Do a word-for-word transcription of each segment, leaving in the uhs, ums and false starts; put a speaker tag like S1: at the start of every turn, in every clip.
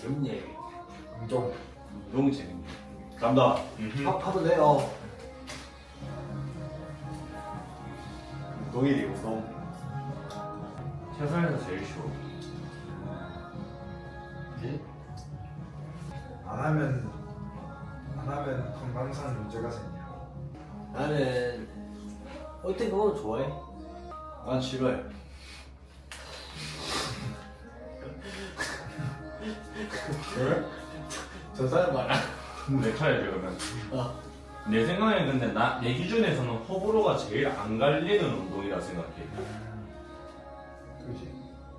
S1: 재밌네.
S2: 운동.
S3: 운동 재밌네. 간다.
S2: 하, 하도 돼요.
S3: 운동이래 운동.
S4: 세상에서 제일 쉬워.
S2: 예? 안 하면 안 하면 건강상 문제가 생겨.
S1: 나는 어떻게 보면 좋아해.
S3: 난 싫어해.
S2: 왜?
S1: 저 사람 봐라.
S4: 내 차례지 그러면.
S1: 어.
S4: 내 생각에 근데 나 내 기준에서는 호불호가 제일 안 갈리는 운동이라 생각해.
S2: 그지.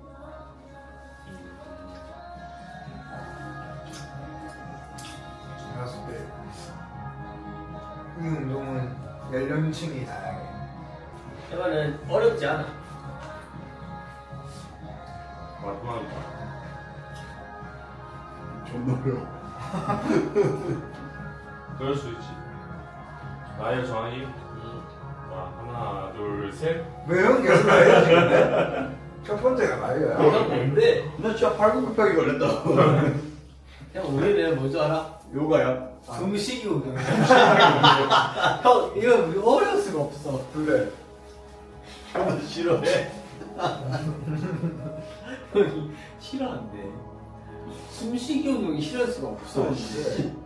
S2: 제가 봤을 때 이 운동은 연령층이 다양해.
S1: 이거는 어렵지 않아.
S4: 마지막이다.
S3: 좀 어려워.
S4: 그럴 수 있지. 나의 정한이.
S1: 음.
S4: 자, 하나, 둘, 셋.
S2: 왜 형 계속 나이가 지는데? 첫 번째가 나이야.
S1: 형 뭔데?
S3: 나 진짜 팔굽혀펴기 걸렸다.
S1: 형 우리는 뭔지 알아?
S3: 요가야.
S1: 숨쉬기 운동. 형 이거 우리 어려울 수가 없어.
S2: 그래.
S3: 나 싫어해.
S1: 형이 싫어한대. 숨쉬기 운동이 싫어할 수가 없어.
S2: 그래.